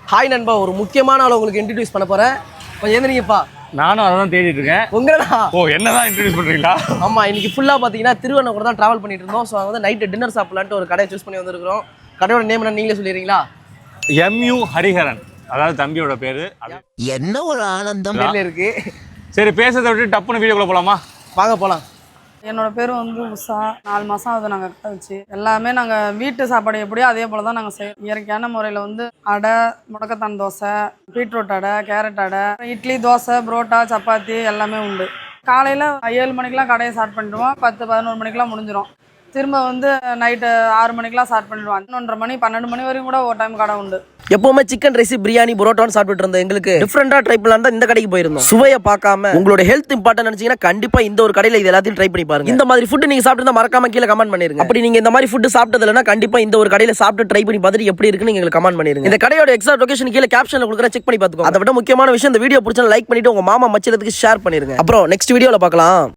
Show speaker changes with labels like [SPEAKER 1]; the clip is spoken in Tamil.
[SPEAKER 1] ஹாய் நண்பா, ஒரு முக்கியமான ஆளை உங்களுக்கு இன்ட்ரடியூஸ் பண்ண போறேன். கொஞ்சம் எழுந்திரிங்கப்பா.
[SPEAKER 2] நானும் அதை தான் தேடிட்டு இருக்கேன்.
[SPEAKER 1] உங்களா?
[SPEAKER 2] ஓ, என்னதான் இன்ட்ரடியூஸ் பண்றீங்களா?
[SPEAKER 1] ஆமா, இன்னைக்கு ஃபுல்லா பாத்தீங்கன்னா திருவண்ணாமலை தான் டிராவல் பண்ணிட்டு இருந்தோம். ஸோ வந்து நைட்டு டின்னர் சாப்பிடலான்ட்டு ஒரு கடையை சூஸ் பண்ணி வந்திருக்கிறோம். கடையோட நேம் என்ன நீங்களே சொல்லிடுறீங்களா?
[SPEAKER 2] MU ஹரிஹரன், அதாவது தம்பியோட பேரு.
[SPEAKER 3] என்ன ஒரு ஆனந்தம்
[SPEAKER 1] பேர்ல இருக்கு.
[SPEAKER 2] சரி, பேசுறதை விட்டு டப்புன்னு வீடியோக்குள்ள போலாமா?
[SPEAKER 1] வாங்க போலாம்.
[SPEAKER 4] என்னோட பேர் வந்து உஷா. 4 மாதம் ஆகுது நாங்கள் கடை வச்சு. எல்லாமே நாங்கள் வீட்டு சாப்பாடு எப்படியோ அதே போல் தான் நாங்கள் செய்வோம். இயற்கையான முறையில் வந்து அடை, முடக்கத்தான் தோசை, பீட்ரூட் அடை, கேரட் அடை, இட்லி, தோசை, புரோட்டா, சப்பாத்தி எல்லாமே உண்டு. காலையில் 7 மணிக்கெலாம் கடையை ஸ்டார்ட் பண்ணிடுவோம். 10-11 மணிக்கெலாம் முடிஞ்சிடும். திரும்ப வந்து நைட்டு 6 மணிக்கெலாம் ஸ்டார்ட் பண்ணிடுவோம். 11:30 மணி 12 மணி வரைக்கும் கூட ஒரு டைம் கடை உண்டு.
[SPEAKER 1] எப்பவுமே சிக்கன் ரைஸ், பிரியாணி, புரோட்டான்னு சாப்பிட்டு இருந்தோம். எங்களுக்கு டிஃப்ரெண்டா ட்ரை பண்ணலாம் தான் இந்த கடைக்கு போயிருந்தோம். சுவையை பார்க்காம உங்களோட ஹெல்த் இம்பார்ட்டன் நினைச்சீங்கன்னா கண்டிப்பா இந்த ஒரு கடையில இது எல்லாத்தையும் ட்ரை பண்ணி பாருங்க. இந்த மாதிரி ஃபுட் நீங்க சாப்பிட்டு மறக்காம கீழே கமெண்ட் பண்ணிருங்க. அப்படி நீங்க இந்த மாதிரி ஃபுட் சாப்பிட்டது இல்லைன்னா கண்டிப்பா இந்த ஒரு கடையில சாப்பிட்டு ட்ரை பண்ணி பார்த்துட்டு எப்படி இருக்குன்னு எங்களுக்கு கமெண்ட் பண்ணிருங்க. இந்த கடையோட எக்ஸாக்ட் லொகேஷன் கீழே கேப்ஷன்ல கொடுக்குற, செக் பண்ணி பார்த்துக்கோங்க. அதை விட முக்கியமான விஷயம், இந்த வீடியோ பிடிச்சா லைக் பண்ணிட்டு உங்க மாமா மச்சலத்துக்கு ஷேர் பண்ணிருங்க. அப்புறம் நெக்ஸ்ட் வீடியோல பார்க்கலாம்.